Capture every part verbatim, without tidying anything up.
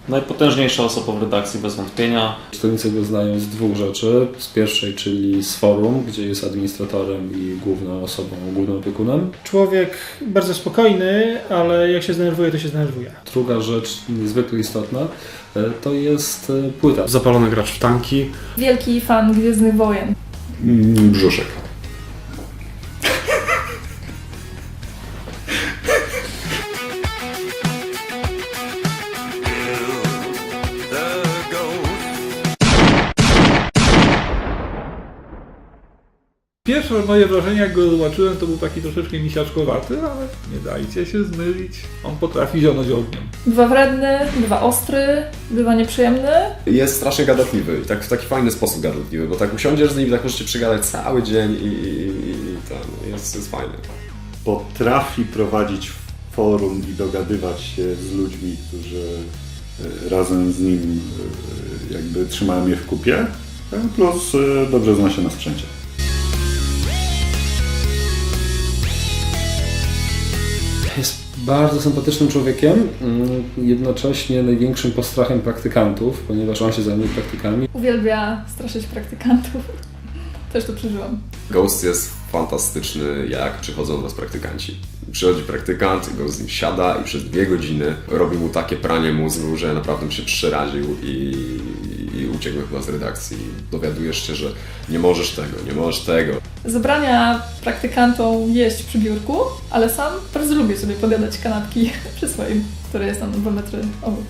Najpotężniejsza osoba w redakcji bez wątpienia. Czytelnicy go znają z dwóch rzeczy. Z pierwszej, czyli z forum, gdzie jest administratorem i główną osobą, głównym opiekunem. Człowiek bardzo spokojny, ale jak się zdenerwuje, to się zdenerwuje. Druga rzecz niezwykle istotna to jest płyta. Zapalony gracz w tanki. Wielki fan Gwiezdnych Wojen. Brzuszek. Pierwsze moje wrażenie, jak go zobaczyłem, to był taki troszeczkę misiaczkowaty, ale nie dajcie się zmylić. On potrafi zionąć ogniem. Bywa wredny, bywa ostry, bywa nieprzyjemny. Jest strasznie gadatliwy i tak w taki fajny sposób gadatliwy, bo tak usiądziesz z nim i tak możecie przygadać cały dzień i, i, i ten, jest, jest fajny. Potrafi prowadzić forum i dogadywać się z ludźmi, którzy razem z nim jakby trzymają je w kupie, plus dobrze zna się na sprzęcie. Jest bardzo sympatycznym człowiekiem, jednocześnie największym postrachem praktykantów, ponieważ on się zajmuje praktykami. Uwielbia straszyć praktykantów. Też to przeżyłam. Ghost jest fantastyczny, jak przychodzą do nas praktykanci. Przychodzi praktykant, Ghost z nim siada i przez dwie godziny robi mu takie pranie mózgu, że naprawdę mi się przeraził i, i uciekłem chyba z redakcji. Dowiadujesz się, że nie możesz tego, nie możesz tego. Zabrania praktykantom jeść przy biurku, ale sam bardzo lubię sobie podjadać kanapki przy swoim, które jest tam dwa metry obok.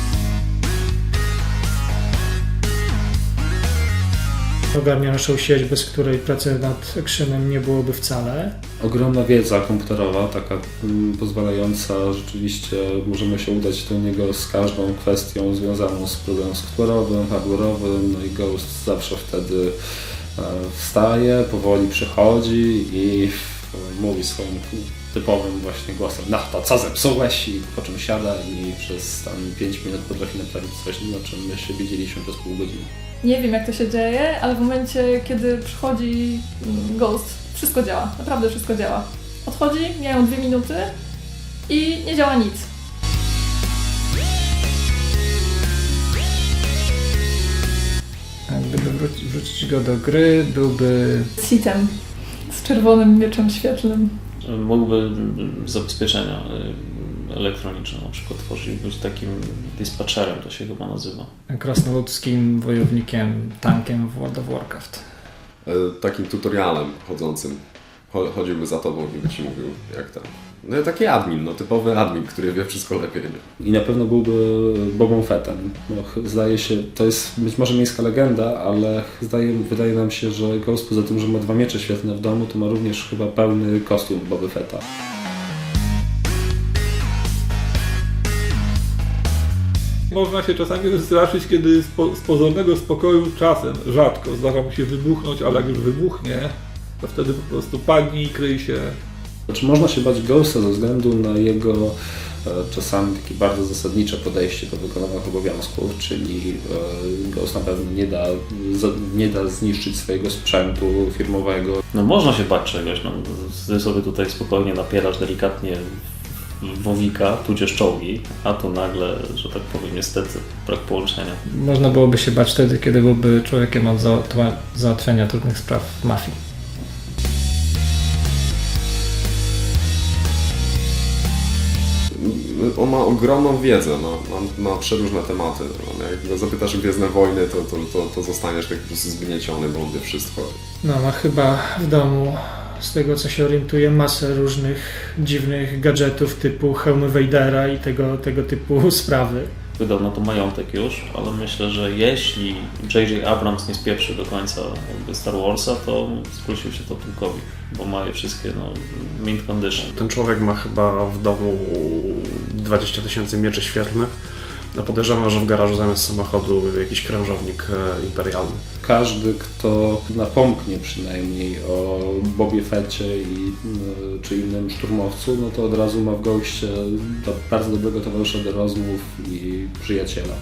Ogarnia naszą sieć, bez której pracy nad Actionem nie byłoby wcale. Ogromna wiedza komputerowa, taka mm, pozwalająca rzeczywiście, możemy się udać do niego z każdą kwestią związaną z problemem software'owym, hardware'owym, no i Ghost zawsze wtedy e, wstaje, powoli przychodzi i e, mówi swoim typowym właśnie głosem: no to co zepsułeś? I po czym siada i przez tam pięć minut potrafi naprawić coś, o czym my się widzieliśmy przez pół godziny. Nie wiem, jak to się dzieje, ale w momencie, kiedy przychodzi Ghost, wszystko działa. Naprawdę wszystko działa. Odchodzi, mijają dwie minuty i nie działa nic. Gdyby wrócić, wrzucić go do gry, byłby Sitem z czerwonym mieczem świetlnym. Mógłby zabezpieczenia elektroniczne na przykład tworzyć, być takim dispatcherem, to się chyba nazywa. krasnoludzkim wojownikiem, tankiem w World of Warcraft. E, takim tutorialem chodzącym. Chodziłby za tobą i by ci mówił, jak tam. No taki admin, no typowy admin, który wie wszystko lepiej. Nie? I na pewno byłby Bobą Fettem. No, zdaje się, to jest być może miejska legenda, ale zdaje, wydaje nam się, że Ghost poza tym, że ma dwa miecze świetne w domu, to ma również chyba pełny kostium Boby Fetta. Można się czasami wystraszyć, kiedy z, po, z pozornego spokoju czasem, rzadko, zdarza mu się wybuchnąć, ale jak już wybuchnie, to wtedy po prostu padnie i kryj się. Znaczy, można się bać Ghosta ze względu na jego e, czasami takie bardzo zasadnicze podejście do wykonywania obowiązków, czyli e, Ghost na pewno nie da, za, nie da zniszczyć swojego sprzętu firmowego. No można się bać czegoś, no, ty sobie tutaj spokojnie napierasz delikatnie wowika, tudzież czołgi, a tu nagle, że tak powiem, niestety brak połączenia. Można byłoby się bać wtedy, kiedy byłby człowiekiem od załatwiania trudnych spraw w mafii. On ma ogromną wiedzę, no, ma, ma przeróżne tematy. No, jak go zapytasz o Gwiezdne Wojny, to, to, to, to zostaniesz tak po prostu zgnieciony, bo on wie wszystko. No, ma chyba w domu, z tego co się orientuję, masę różnych dziwnych gadżetów typu hełmy Vadera i tego, tego typu sprawy. Wydał na to majątek już, ale myślę, że jeśli J J Abrams nie spieprzy do końca jakby Star Warsa, to zwrócił się to pułkowi, bo ma je wszystkie no, mint condition. Ten człowiek ma chyba w domu dwadzieścia tysięcy mieczy świetlnych. No podejrzewam, że w garażu zamiast samochodu jakiś krężownik imperialny. Każdy, kto napomknie przynajmniej o Bobie Fetcie i, czy innym szturmowcu, no to od razu ma w Ghostie do bardzo dobrego towarzysza do rozmów i przyjaciela.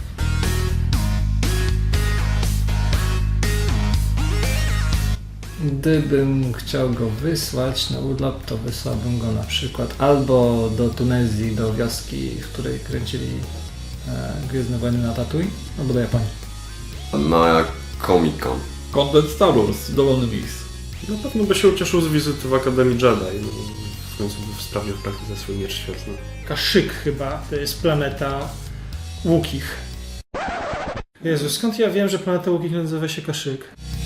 Gdybym chciał go wysłać na urlop, to wysłałbym go na przykład albo do Tunezji, do wioski, w której kręcili e, Gwiezdne Wojny na Tatooine albo do Japonii. Na Comic Con. Content Star Wars, dowolne miejsce. Na pewno by się ucieszył z wizyty w Akademii Jedi. No, w końcu by sprawił w praktyce swój miecz świetlny. Kashyyyk chyba, to jest planeta Wookiee'ch. Jezu, skąd ja wiem, że planeta Wookiee'ch nazywa się Kashyyyk?